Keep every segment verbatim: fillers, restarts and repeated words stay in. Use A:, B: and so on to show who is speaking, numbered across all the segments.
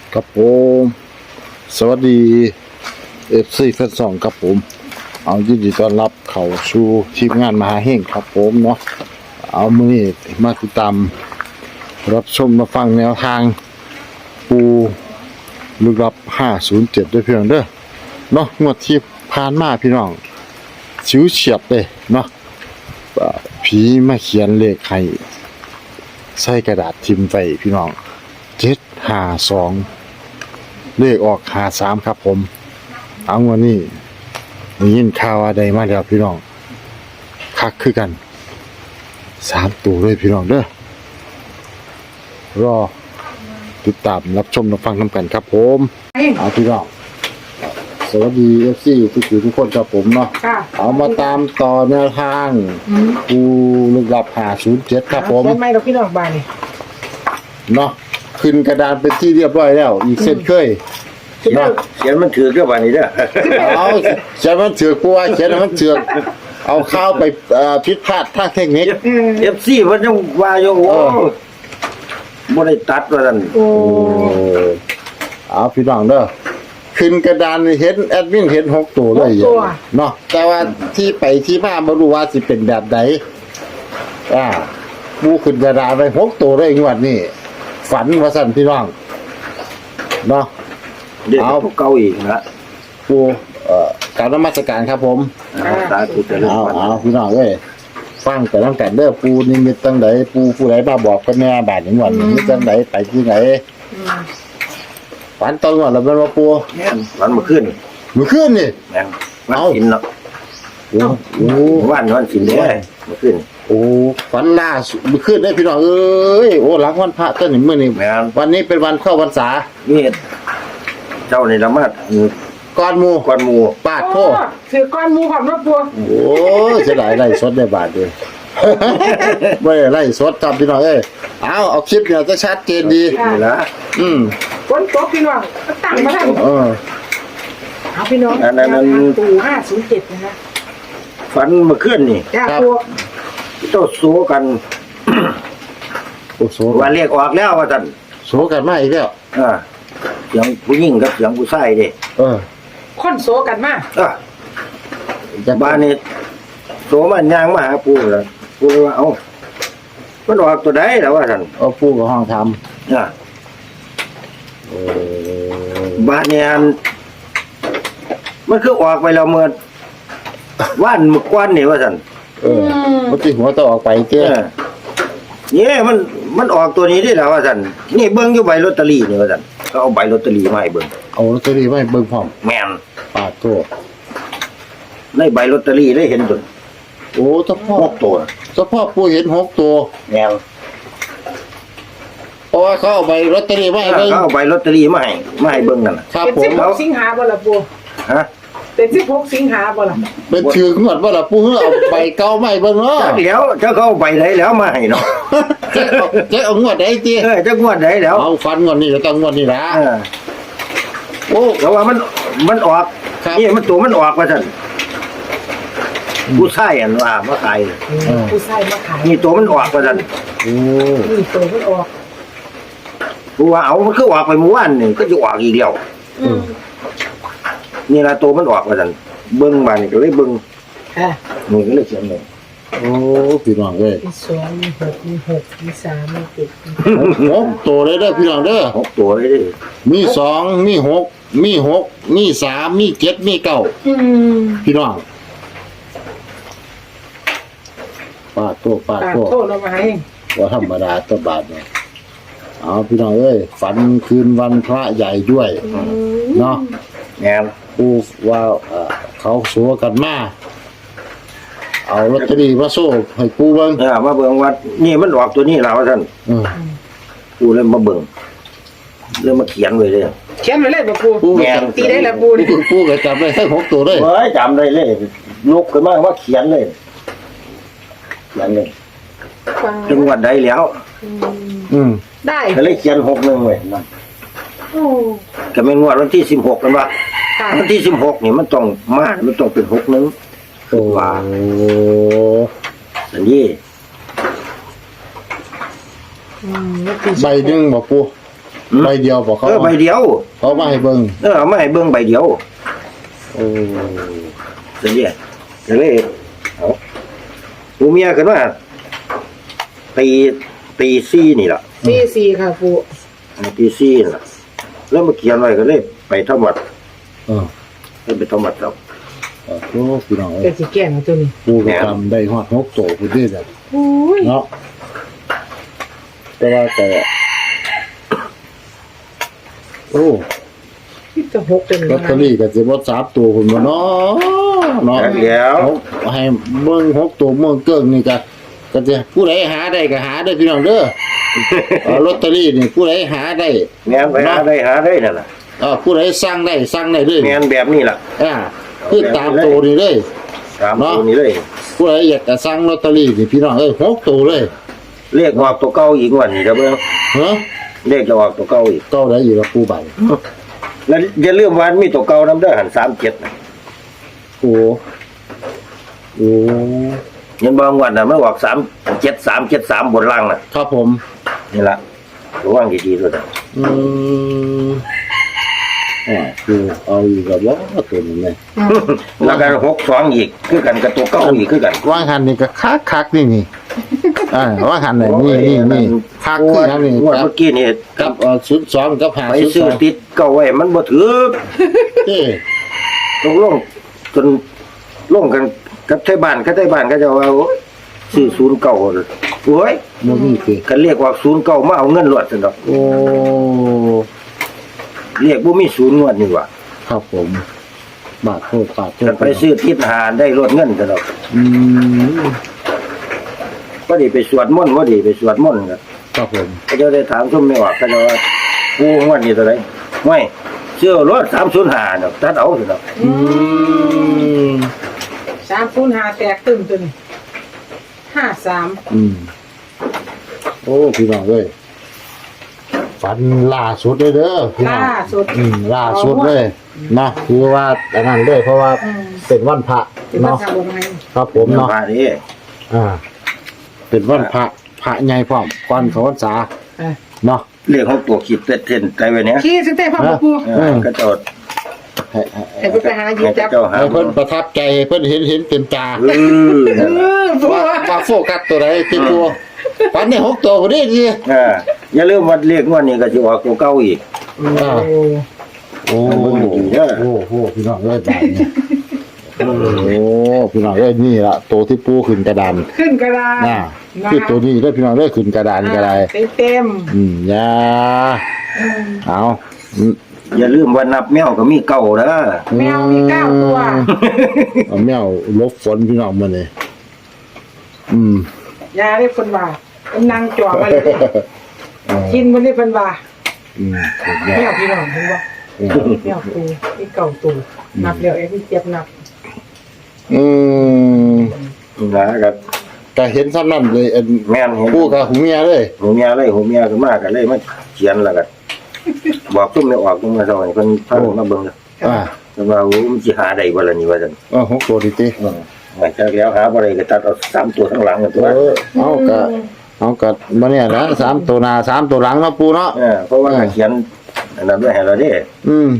A: ครับผมสวัสดีเอฟซีแฟนสองครับผมเอายินดีต้อนรับเข้าสู่ทีมงานมหาเฮงครับผมเนาะเอามื้อนี้มาติดตามรับชมมาฟังแนวทางปูลึกลับห้าศูนย์เจ็ดด้วยเพียงเด้อเนาะงวดที่ผ่านมาพี่น้องชิวเฉียบเลยเนาะผีมาเขียนเลขให้ใส่กระดาษทิมไว้พี่น้องเจ็ดห้าสองเลขออกห้าสามครับผมเอาวันนี้ได้ยินข่าวว่าได้มาแล้วพี่น้องคักคือกันสามตัวเลยพี่น้องเด้อรอติดตามรับชมรับฟังนำกันครับผมเอาพี่น้องสวัสดี เอฟ ซี ทุกท่านทุกคนครับผมเนาะเอามาตามต่อแนวทางปูลึกลับห้าศูนย์เจ็ดครับผม
B: ใช่ไหมเราพี่น้องบ้านนี่
A: เนาะขึ้นกระดานเป็นที่เรียบร้อยแล้วอีกเส้นเคย
C: เนาะเขียนมันถือก็วันนี้เด้อ
A: เอาเขียนมันถือกูว่าเขียนมันถือเอาข้าวไปผิดพลาดทางเทคนิค
C: เอฟซีเพิ่นยังว่าอยู่โอ้บ่ได้ตัดว่าซั่น
B: โอ้
A: เอาพี่น้องเด้อขึ้นกระดานเห็นแอดมินเห็นหกตัวเลยเนาะแต่ว่าที่ไปที่มาบ่รู้ว่าสิเป็นแบบใดอ่าปูขึ้นกระดานไปหกตัวเลยงวดนี้ฝันว่าซั่นพี่น้องเนาะ
C: เดี๋ยวพวกเก่าอีกนะ
A: ปูเอ่อการนมัสการครับผม
C: สาธุเจริญ
A: เอา
C: พร
A: เอาพี่น้องเอ้ยฟังแต่ตั้งแต่เด้อปูนี่มีตั้งไหนปูผู้ใดมาบอกกันแน่บาดอย่างวันนี้ตั้งไหนไปที่ไหนฝันตอนก่อนแล้วเป็นว่าปู
C: แม่นวันเมื่อคืน
A: เมื่อคืนนี่
C: แม่นวันศิลเนาะ
A: โอ้โห
C: วันวันศิลเด้เมื่อคืน
A: โอ้ฝันล่าสุดเมื่อคืนได้พี่น้องเอ้ยโอ้หลังวันพระต้นนี่มื้อนี้วันนี้เป็นวันเข้าพรรษา
C: นี่เจ้านี่ละมาด
A: ก้อนหมู่
C: ก้อนหมู่
A: ปาดโท
B: ถือก้อนหมู่ของรถตัว
A: โอ้เสียดายไล่สดได้บาทเดียวไม่ไล่สดครับพี่น้องเอ้ยเอาเอาคลิปเนี่ยจะชัดเจนดี
C: นี่ละ
A: อืม
B: ก้นโต๊ะพี่น้องตั้งมาทั้ง
A: เออ
B: เอาพี่น้องนั่นตู่ห้าศูนย์เจ็ดนะฮะ
C: ฝันเมื่อคืนนี่
B: ครับ
C: เจ้าโซกัน
A: โอ้โซ
C: ว่าเรียกออกแล้วว่าซั่น
A: โซกันมาอีกแล้ว
C: อ่าเสียงผู้หญิงกับเสียงผู้ชายเด้
A: เออ
B: คนโซกันมา
C: อ่ะบ้านนี้โซมันย่างมาหาปู่แล้วปู่ว่าเอ้ามันออกตัวใดแล้วว่าซั่น
A: เอาปู่กับห้องทำ
C: อ่ะเออบ้านนี้มันคือออกไปแล้วเมื่อว่านมื้อก่อนนี่ว่าซั่น
A: เออเมื่อกี้หัวต้องออกไปเจ้
C: นี่มันมันออกตัวนี้ได้แล้วว่าซั่นนี่เบิ่งอยู่ใบลอตเตอรี่นี่ว่าซั่นเขาเอาใบลอตเตอรี่มาให้เบิ่ง
A: เอาลอตเตอรี่มาให้เบิ่งพร้อม
C: แม่น
A: ปาดตัว
C: ในใบลอตเตอรี่ได้เห็นตัว
A: โอ้เฉพาะ
C: หกตัว
A: เฉพาะปู่เห็นหกตัว
C: แม่น
A: เพราะว่าเขาเอาใบลอตเตอรี่มาให้เบิ่ง
C: เขาเอาใบลอตเตอรี่มาให้มาให้เบิ่งนั่นน่ะ
A: ครับผม
B: เป็นสิบหกสิงหาบ่ล่ะปู่
C: ฮะ
B: เป็นสิบหกสิงหาบ่ล่ะ
A: เป็นชื่องวดบ่ล่ะปู่เอาใบเก่ามาให้เบิ่งเนาะ
C: เดี๋ยวเจ้าเขาเอาใบไหนแล้วมาให้เนาะ
A: เจ๊เอาเจ๊เอางวดใดติ
C: เออเจ้างวดไหนแล้ว
A: เอาฟันงวดนี้ก็ต้องงวดนี้ล่ะ
C: โอ้แต่ว่ามันมันออกนี่มันตัวมันออกว่าซั่นผู้ชายอันว่ามาขาย
B: ผู้ชายมาขาย
C: นี่ตัวมันออกว่าซั่น
A: โอ้
B: นี่ตัวมันออก
C: ผู้ว่าเอามันคือออกไปเมื่อวานนี่ก็จะออกอีกแล้ว
B: อืม
C: นี่ล่ะตัวมันออกว่าซั่นเบิ่งมานี่ก็เลยเบิ่ง
B: ค่ะ
C: นี่ก็เลยเขียนเลย
A: โอ้พี่น้องเอ้ย
B: มีสองมีหกมีหกมีสามมีเจ็ด
A: หกตัวเลยเด้อพี่น้องเด้อ
C: หกตัวเลยเด้อ
A: มีสองมีหกมีหกมีสามมีเจ็ดมีเก้าพี่น้องปาดโตปาดโต
B: โทษเรามาให้
A: ว่าธรรมดาตัวบาทเนี่ยเอาพี่น้องเอ้ยฝันคืนวันพระใหญ่ด้วยเนาะ
C: แง่
A: ปูว่าเขาสัวกันมาเอาลอตเตอรี่มาโซ่ให้ปูเบิ่ง
C: เออมาเบิ่งว่านี่มันออกตัวนี้แล้วท่านปูเลยมาเบิ่งเลยมาเขียนไว้เลย
B: เขียนไว้เลยบ่ปูแง่ตีได้แล้วปู
A: ปูปูก็จำได้ทั้งหกตัวเลย
C: เฮ้ยจำได้เลยลุกขึ้นมาว่าเขียนเลยเขียนเลยจังหวัดใดแล้ว
A: อืม
B: ได้
C: ก็เลยเขียนหกหนึ่งไว้นั่น
B: โอ้
C: ก็เป็นงวดวันที่สิบหกกันว่าวันที่สิบหกนี่มันต้องมามันต้องเป็นหกหนึ่งตัวอันนี้
A: ใบหนึ่งบ่ปูใบเดียวบอกเขา
C: เออใบเดียว
A: เขามาให้เบิ่ง
C: เออเอามาให้เบิ่งใบเดียว
A: โอ้
C: เสียก็เลยเอาปูเมียกันว่าตีตีซี่นี่ล่ะ
B: สี่สี่ค่ะปู
C: ตีซี่นี่ล่ะแล้วมาเขียนไว้ก็เลยไปทำวัด
A: เออ
C: เลยไปทำวัดครับ
A: โอ้โหพี่น้อง
B: เป็นสีแก่งตัวนี้
A: ปูก็ทำได้ฮอดหกโตพุ่นเด้อ
B: โอ้ย
A: เนาะแต่ว่าแต่โอ้
B: ที่จะหกเป็น
A: ลอตเตอรี่ก็สิบ่สามตัวพุ่นบ่เนาะเนาะ
C: แล้ว
A: ให้เบิ่งหกตัวเมืองเกิ้งนี่ก็ก็จะผู้ใดหาได้ก็หาได้พี่น้องเด้อเออลอตเตอรี่นี่ผู้ใดหาได้
C: แม่นไปหาได้หาได้นั่นล่ะ
A: เออผู้ใดสั่งได้สั่งได้เลย
C: แม่นแบบนี้ล่ะ
A: อ่าคือตามตัวนี่เลย
C: ตามตัวนี้เลย
A: ผู้ใดอยากจะสั่งลอตเตอรี่นี่พี่น้องเอ้ยหกตัวเลย
C: เลขออกตัวเก่าอีกวันนี้เด้อเบิ่ง
A: ฮะ
C: เลขจะออกตัวเก่าอีก
A: เก้าได้อยู่กับผู้ใบ
C: แล้วอย่าลืมว่ามีตัวเก่านำเด้อหันสามเจ็ดน่ะ
A: โอ้โอ้
C: เห็นบ่งวดน่ะมันออกสามเจ็ดสามเจ็ดสามบนล่างน่ะ
A: ครับผม
C: นี่ล่ะระวังดีๆด้วยนะ
A: อืมอ่าคือเอาอยู่กับว่าตัวนี้เลย
C: แล้วกันหกสองอีกคือกันกับตัวเก่าอีกคือกัน
A: ว่างหันนี่ก็คักคักๆนี่นี่อ่าว่างหันไหนนี่นี่นี่คักคือทั้งนี้
C: งวด
A: ครับ
C: เมื่อกี้นี่
A: กับเอ่อศูนย์สองกับหา
C: ไป
A: ศูนย์
C: ซื้
A: ส
C: อ
A: อง
C: ติดเก่าไว้มันบ่ถือ
A: เอ้
C: ตกลงจนลงกันกับไทยบ้านกับไทยบ้านก็จะว่าโอ้ยซื้อศูนย์เก่าโอ้ย
A: บ่มีสิ
C: กันเรียกว่าศูนย์เก่ามาเอาเงินรวดซั่นดอก
A: โอ้
C: เรียกบ่มีศูนย์งวดนี่ว่า
A: ครับผมบาทโทษบาทโท
C: กั
A: ษ
C: นไปซื้อติดหาได้รวดเงินซั่นดอก
A: อืม
C: ก็ดีไปสวดมนต์บ่ดีไปสวดมนต์กัน
A: ครับผม
C: ก็จะได้ถามซุมไม่ออกก็จะว่ากูงวดนี้เท่าไหร่ไม่เชื่อรถสามศูนย์ห้าดอกตัดเอาซั่นดอก
A: อืม
B: สามศูนย์ห้าแตกตึมตัวนี้ห้าสาม
A: อืมโอ้พี่น้องเอ้ยฝันล่าสุดเลยเด้อพี่น้อง
B: ล่าสุด
A: อืมล่าสุดเลยนะคือว่าอันนั้นเลยเพราะว่า
B: อืม
A: เป็นวันพระ
B: เป็นภา
A: เนาะ
B: ษาบนไง
A: ครับผมเนาะ
C: พาดิ
A: อ่า เป็นวันพระพระใหญ่พร้อมก่อนเขาพรรษา
B: อ่ะ
A: เนาะ
C: เรียกของตัวขีดเต้นใจไว้เนี้ย
B: ขี้สเต้พ่อปู
C: เออก็จอด
A: ให้ให้
B: ให้เพิ่นไปหาหยิบ
C: ให้
B: จับ
C: เจ้าหา
A: ให้เพิ่นประทับใจให้เพิ่นเห็นเห็นเต็มตา
C: เออ
B: เออปู
A: ว่าว่าโฟกัสตัวไหนที่ตัวฝันในหกตัวก็ได้ดี
C: เอออย่าลืมว่าเรียกงวดนี้ก็สิออกตัวเก่าอีก
A: อ่า
B: โอ้
A: โอ้
C: เบิ่งดีๆเด้อ
A: โอ้โหพี่น้องเอ้ยแบบนี้โอ้พี่น้องเอ้ยนี่ละตัวที่ปูขึ้นกระดาน
B: ขึ้นกระดาน
A: น่ะคือตัวนี้ได้อพี่น้องเอ้ยขึ้นกระดานกระได
B: เต็มเต็ม
A: อืมอยา
B: ๆอืม
A: เอาอืม
C: อย่าลืมว่านับแมวก็มีเก่าเด้อ
B: แมวมีเก้าตัว
A: เอาแมวลบฝนพี่น้องมาเลยอืม
B: ยาได้คนว่าเป็นนางจ่อมาเลย
A: เออ
B: กินมันได้เป็นว่า
A: อืมสุดย
B: แม
A: อ
B: ว
A: ด
B: พี่น้องเห็นว่า
A: อืม
B: แมวตูนี่เก่าตูนับเดี๋ยวไอ้ที่เจ็บนับ
A: อืม
C: นะก็
A: ก็เห็นซ้ำนั่นเลยอัน
C: แม่นเห็น
A: ปูกับหูเมียเลย
C: หูเมียเลยหูเมียขึ้นมาก็เลยมาเขียนแล้วก็บอกซุ่มไม่ออกซุ่มมาเท่าไหร่เพิ่นพามาเบิ่ง
A: อ่า
C: เพิ่นว่าโอ้มันสิหาได้บ่ล่ะนี่ว่าซั่น
A: เออหกตัวดิติ
C: อืมหลังจากแล้วหาบ่ได้ก็ตัดเอาสามตัวข้างหลังนั่นตัว
A: เออเอากะเอากะมาเนี่ยนะสามตัวหน้าสามตัวหลังเนาะปูเนาะ
C: เออเพราะว่าเขียนอันนั้นไว้ให้เราเด้
A: อืม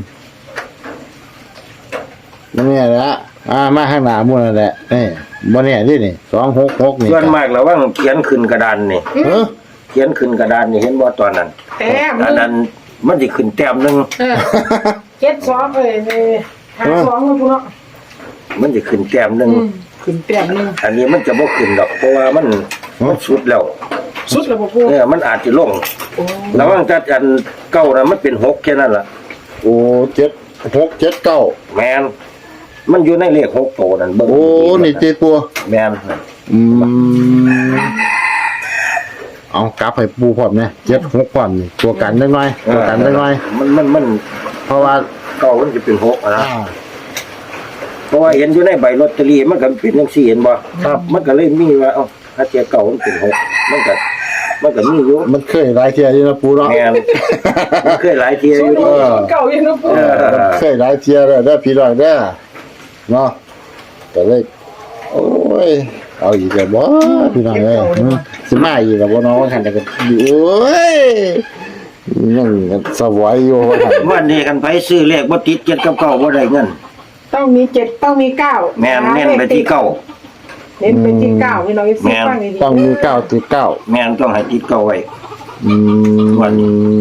A: มาเนี่ยนะอ่ามาข้างหน้าหมู่นั่นแหละนี่มาเนี่ยดินี่สองหกหกนี่
C: ส่วนมากแล้วว่าเขียนขึ้นกระดานนี่
A: เออ
C: เขียนขึ้นกระดานนี่เห็นบ่ตอนนั้น
B: แต้ม
C: อันนั้นมันสิขึ้นแต้มหนึง
B: เออเจ็ดสองเลยนี่หาสองแล้วปูเนาะ
C: มันสิขึ้นแต้มหนึง
B: อืมขึ้นแต้มหนึง
C: อันนี้มันจะบ่ขึ้นดอกเพราะว่ามันมันสุดแล้ว
B: สุดแล้วบ่ปู
C: เนี่ยมันอาจจะลง
B: โอ้
C: ระหว่างจัดอันเก้าน่ะมันเป็นหกแค่นั้นล่ะ
A: โอ้เจ็ดหกเจ็ดเก้า
C: แม่นมันอยู่ในเลขหกโตวนั่นเบิ่ง
A: โอ้นี่เจ็ดปัว
C: แม่น
A: อืมเอากลับให้ปูพร้อมเนี่ยเจ็ดหกพร้อมนี่ตัวกันได้หน่อยตัวกันได้หน่อย
C: มันมันมัน
A: เพราะว่า
C: เก้ามันจะเป็นหกอะนะ
A: อ่า
C: เพราะว่าเห็นอยู่ในใบลอตเตอรี่มันก็เป็นจังซี่เห็นบ่
A: ครับ
C: มันก็เลยมีว่าเอ้าถ้าเจ้าเก่ามันเป็นหกมันก็มันก็มีอยู่
A: มันเคยหลายเที่ยอยู่นะปูเนาะ
C: แม่นมันเคยหลายเที่ยอยู่
B: สุด
C: เด้อ
B: เก่าอยู่เนาะปู
C: เออ
A: เคยหลายเที่ยแล้วได้อพี่น้องเด้อเนาะแต่เลยโอ้ยเอาอีกแล้วบ่พี่น้องเอ้ยอืมสิมาอีกแล้วบ่เนาะคันแต่ก็โอ้ยยังสวายอยู่ว่าหั่น
C: วันนี้กันไปซื้อเลขบ่ติดเจ็ดกับเก้าบ่ได้เงิน
B: ต้องมีเจ็ดต้องมีเก้า
C: แม่นเน้นไปที่เก้า
B: เน้นไปที่เก้าพี่น้องเอฟ
C: แม่
B: ซี
C: น
B: ฟังดีๆ
A: ต้องมีเก้าติดเก้า
C: แม่นต้องให้ติดเก้าไว้
A: อืม
C: วัน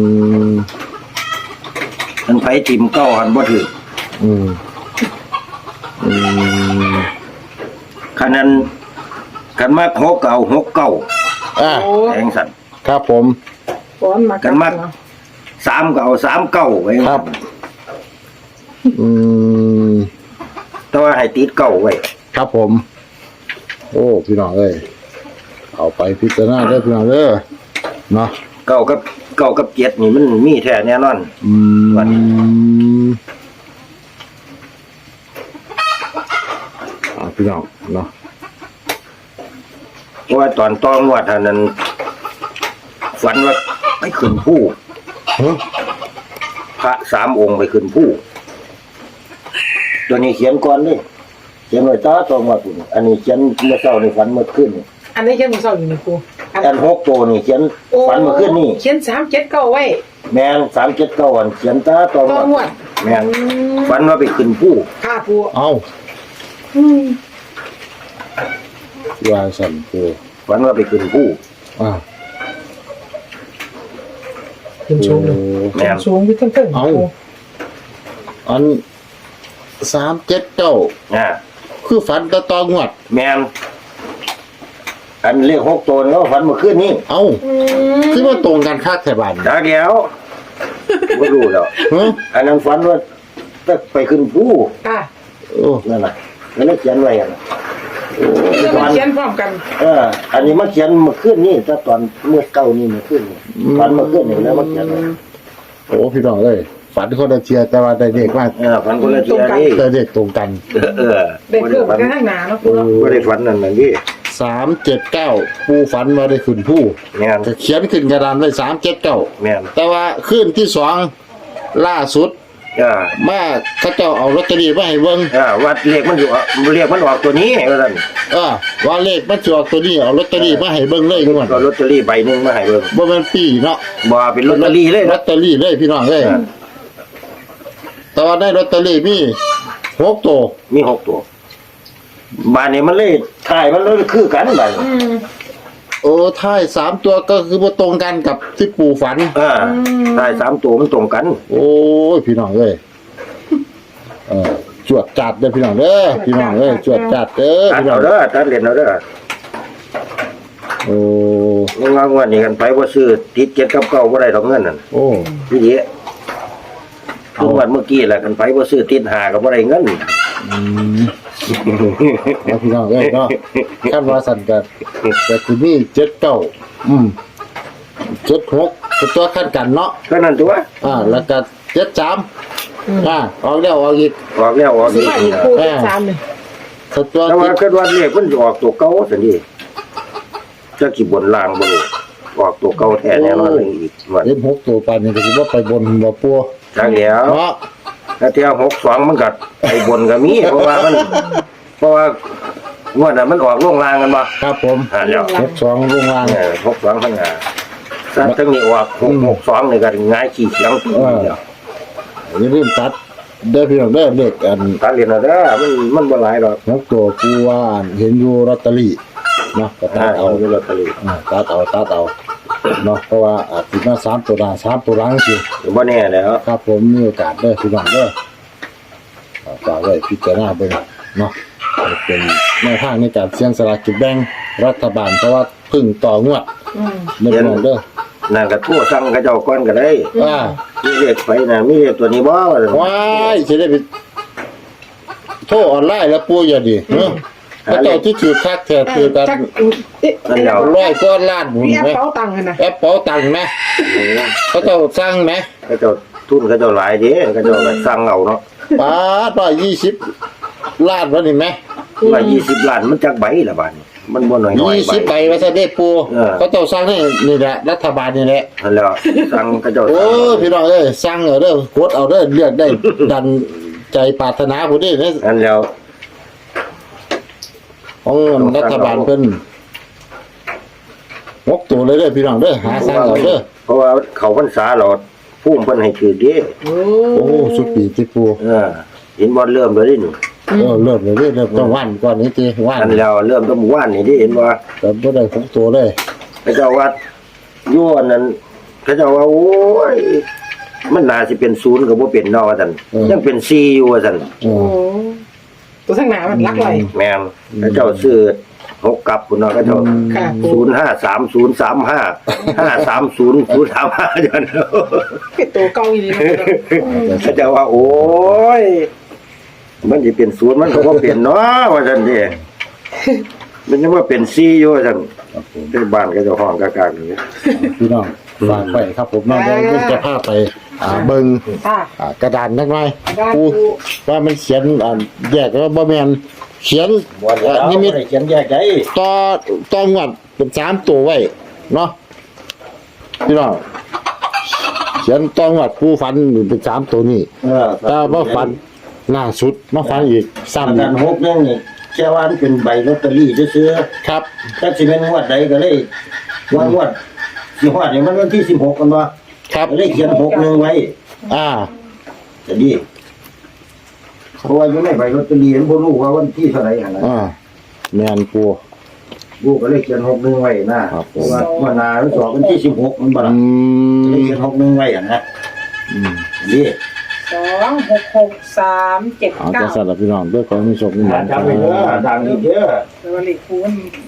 C: มันไปทิมเก้าหันบ่ถือ
A: อืมอืม
C: คันนั้นคันมาหกเก้าหกเก้า
A: อ่ะ
B: โอ้
C: แทงสัตว์
A: ครับผม
B: ฝนมา
C: กันมัก สามเก้าสามเก้าไว้
A: ครับ อืม
C: แต่ว่าให้ติดเก้าไว้
A: ครับผม โอ้พี่น้องเอ้ยเอาไปพิจารณาได้อพี่น้องเด้อเนาะ
C: เก้ากับเก้ากับเจ็ดนี่มันมีแท้แน่นอน
A: อืม
C: วัน
A: อ่าพี่น้องเนาะ
C: เพราะว่าตอนต้องวดเท่านั้น ฝันว่าไปขึ้นผู้
A: เฮ้ย
C: พระสามองค์ไปขึ้นผู้ตัวนี้เขียนก่อนนี่เขียนไว้ตาตองว่าคุณอันนี้เขียนเมื่อเช้านี่ฝันเมื่อคืนนี่
B: อันนี้เขียนมือเศร้าอยู่ในครูอัน
C: อันหกตัวนี่เขียน
B: โอ้
C: ฝันเมื่อคืนนี่
B: เขียนสามเจ็ดเก้าไว้
C: แมงสามเจ็ดเก้าวันเขียนตาตอง
B: ต้องงวด
C: แมง
B: อืม
C: ฝันว่าไปขึ้นผู้
B: ค่าปู
A: เอา
B: อืม
A: วาสันปู
C: ฝันว่าไปขึ้นผู้
A: อ่า
B: ขึ้นสูงเลย
C: แม่น
B: สูงอยู่ทั้งๆ
A: เอา
B: ปู
A: อันสามเจ็ดเก้า
C: อ่า
A: คือฝันตะตองวด
C: แมงอันเลขหกตัวแล้วฝันเมื่อคืนนี่
A: เอา
B: อืม
A: คือว่าตรงกันคาดแถบัน
C: จากเดียวไม่รู้แล้ว
A: เฮ้ย
C: อันนั้นฝันว่าจะไปขึ้นผู้
B: ค่ะ
A: โอ้
C: นั่นน่ะแล้วเลยเขียนไว้อะนะ
B: จะมาเขียนพร้อมกัน
C: เออ อันนี้มันเขียนเมื่อคืนนี่ถ้าตอนเมื่อเก้านี่เมื่อคืนนี่ฝันเมื่อคืนนี่แล้วมันเขียนไว้
A: โอ้พี่น้องเอ้ยฝันคนละเทียแต่ว่าได้เด็กมาก
C: เออฝันคนละทีนี่
A: ได้เด็กตรงกัน
C: เออเออ
B: เด็ก
C: ไม่
B: เกิ
C: ได้
B: ด
C: ฝัน
B: กันข้างหน้าเนาะปูเนาะ
C: ไม่ได้ฝันนั่นนั่นนี่
A: สามเจ็ดเก้าปูฝันมาได้ขึ้นผู้
C: แม่น
A: ก็เขียนขึ้นกระดานไว้สามเจ็ดเก้า
C: แม่น
A: แต่ว่าขึ้นที่สองล่าสุด
C: อ่า
A: มาเขาเจ้าเอาลอตเตอรี่มาให้เบิ่ง
C: อ่าวัดเลขมันอยู่อ่ะเลขมันออกตัวนี้ว่าซั่น
A: เออว่าเลขมันจออกตัวนี้เอาลอตเตอรี่มาให้เบิ่งเลยงวด
C: ก็ลอตเตอรี่ใบหนึงมาให้เบิ่ง
A: บ่แม่นปีเนาะ
C: บ่เป็นลอตเตอรี่เลย
A: ลอ
C: นะ
A: ตเตอรี่เลยพี่น้องเอ้ย
C: อ่า
A: แต่ว่าได้ลอตเตอรี่มีหกตัว
C: มีหกตัวบ้านนี้มันเลยถ่ายมันเลยคือกันบ้านนี้
B: อืม
A: โอ้ท้ายสามตัวก็คือบ่ตรงกันกับที่ปู่ฝัน
C: อ่าถ่ายสามตัวมันตรงกัน
A: โอ้ยพี่น้องเอ้ยเออจวดจัดเด้อพี่น้องเด้อพี่น้องเอ้ยจวดจัดเด้อ
C: ตัด
A: พี่น้อ
C: เอา
A: ง
C: เด้อตัดเรียนเอาเด้อ
A: โอ้
C: งงวันนี้กันไปบ่ซื้อติดเจ็ดกับเก้าบ่ได้ดอกเงินนั่น
A: โอ้
C: พี่เด้ทุกวันเมื่อกี้แหละกันไปบ่ซื้อติดหาก็บ่ได้เงิน
A: อืมแล้วพี่น้องเอ้ยเนาะคาดว่าสั่นกันแต่คือนี่เจ็ดเก้าอืมเจ็ดหกเป็นตัวขั้นกันเนาะ
C: ก็นั่นตัว
A: อ่า แล้วก็เจ็ดสามอ่าออกแล้วออกอีก
C: ออกแล้วออก
B: สิ
C: อีก
B: มาอีกปูเป็นสามเลย
A: สตัว
C: แต่
A: ติ
C: ว่า
A: ด
C: คิดว่าเลขมันจะออกตัวเก่าซั่นดิจะกี่บนล่างบ่รู้ออกตัวเก่าแท้แน่นอนเลยอีกวัน
A: เล่นหกตัวปานนี้ก็คือว่าไปบนบ่ปัว
C: จังแล้ว
A: เนาะ
C: แล้วเที่ยวหกสองมันก็ไอ้บนก็มี เพราะว่ามัน เพราะว่างวดน่ะมันออกลงล่างกันบ่
A: ครับผม
C: อ่าแล้ว
A: หกสองลงล่าง
C: เออหกสองทั้งหาถ้าทั้งนี้ออกหกหกสองนี่ก็ง่ายขี้เสียงปีเดียว
A: อย่าลืมตัดเด้อพี่น้องเด้อเลขอัน
C: ตาเรียนเอาเด้อมันมันบ่หลายดอก
A: หกตัวปูว่าเห็นอยู่ลอตเตอรี่เนาะก็ตั
C: ถ้า
A: ด
C: เอา
A: เอา
C: อยู่ลอตเตอรี่
A: อ่าตัดเอาตัดเอาเนาะเพราะว่าอาจสิมาสามตัวหน้าสามตัวหลังสิ
C: บ่แน่แล้ว
A: ครับผมมีโอกาสเด้อพี่น้องเด้ออ่าฝากไว้พิจารณาเบิ่งเนาะเป็นแนวทางในการเสี่ยงสลากกินแบ่งรัฐบาลเพราะว่าเพึ่งต่องวด
B: อืม
A: เด้อพี่น้องเด้อ
C: นั่นก็ทั่วสั่งเขาเจ้าก่อนก็ได้
A: อ่า
C: มีเลขไปน่ะมีเลขตัวนี้บ่ว่าซั่น
A: ว้ายสิได้ไปโทรออนไลน์แล้วปูอย่าดิเนาะก็เจ้าที่ถือคักแท้คือกัน
B: จักเอ๊ะ
C: นั่นแล้ว
A: ร้อยก้อนล้านหมุน
B: พี่แอป
A: ไหม
B: เป๋าตังค์อะนะ
A: แอปเป๋าตังค์ไหมเขาเจ้าสร้างไหม
C: เขาเจ้าทุนเขาเจ้าหลายเด้เขาเจ้าก็สั่งเอาเนาะ
A: ป้าร้อยยี่สิบล้านวะนี่ไหม
C: ว่ายี่สิบล้านมันจักใบละบาดนี้มันบ่น้อยๆ
A: ยี่
C: ใบ
A: สิบใบว่าจะได้ปู
C: เออ
A: เขาเจ้าสร้างนี่นี่แหละรัฐบาลนี่แหละ
C: นั่นแล้วสั่งเขาเจ้า
A: โอ้
C: สั่ง
A: พี่น้องเอ้ยสร้างเอาเด้อกดเอาเด้อเลือกได้ ดันใจปรารถนาผู้นี้เนี่ย
C: นั่นแล้ว
A: ของรัฐบาลเพิ่นงกตัวเลยเด้อพี่น้องเด้อหาสร้างเอาเด้อ
C: เพราะว่าเขาพรรษาเราพุ่มเพิ่นให้ถือเด้
B: โอ้
A: โอ้สุดปีที่ปู
C: เออเห็นบ่เริ่มแล้วนี่นี่
A: เออเริ่มเลยเด้เริ่มต้องวันก่อนนี้ทีวัน
C: อันแล้วเริ่มต้องหมู่บ้านนี่ดิเห็นบ่
A: แต่บ่ได้ของตัวเลย
C: พระเจ้าว่าโยนนั้นพระเจ้าว่าโอ้ยมันน่าสิเป็นศูนย์ก็บ่เป็นเนาะว่าซั่นยังเป็นสี่อยู่ว่าซั่น
A: เอ
B: โอ้
A: อ
B: ตัวทั้งหนามันลักไหล
C: แม่นพระเจ้าซื้อหกกลับพุ่นเนาะพระเจ้า
B: ค่ะปู
C: ศูนย์ห้าสามศูนย์สามห้าห้าสามศูนย์ศูนย์สามห้าจัง
B: เป็นตัวเก่าอีนี่เนาะ
C: พระเจ้าว่าโอ้ยมันสิเป็นศูนย์มันก็บ่เป็นเนาะว่าซั่นเด้มันยังว่าเป็นสี่อยู่ว่าซั่น
A: ครับผม
C: ที่บ้านก็เจะห้องกากๆนี่
A: พี่น้องฝากไปครับผมน้องเดี๋ยวจะพาไปอ่าเบิ่ง
B: ค่ะ
A: อ่ากระดานนักหน่อย
B: กระดาน
A: ปู
B: ปู
A: ว่ามันเขียนอ่าแยกแล้วบ่แม่นเขียน
C: บ่ได้
A: อ่านิมิต
C: เขียนแยกได้
A: ต่อต่องวดเป็นสามตัวไว้เนาะพี่น้องเขียนต่องวดผู้ฝันเป็นสามตัวนี่
C: เออ
A: แต่ว่าฝันล่าสุดมาฝันอีก
C: สาม
A: ซ้ำ
C: กั
A: อี
C: น
A: ก
C: หกนึงนี่แค่ว่ามันเป็นใบลอตเตอรี่ซื่อ
A: ครับ
C: ๆถ้าสิเป็นงวดใดก็เลยว่างวดสิฮอดนี่มันวันที่สิบหกกันบ่
A: ครับ
C: ก็เลยเขียนหกนึงไว้
A: อ่า
C: จะดีเพราะว่าอยู่ในใบลอตเตอรี่มันบ่รู้ว่าวันที่เท่าไหร่หั่นน่ะ
A: อ่าแม่นปู
C: ลูกก็เลยเขียนหกนึงไว้นะครับ
A: ผม
C: เพราะว่าวันหนามันสอบวันที่สิบหกมันบ่
A: อื
C: ล่ะก็เลย
A: ม
C: เขียนหกนึงไว้อ่ะนะ
A: อืม
C: ดี
B: สองหกหกสามเจ็ด
A: เอา
B: เก้า
A: จะสลับพี่น้องด้วยความมีโชคมีหวัง
C: จำไว้เด้อดังอีกเด้อ
B: แล้ววันนี้ปูมัน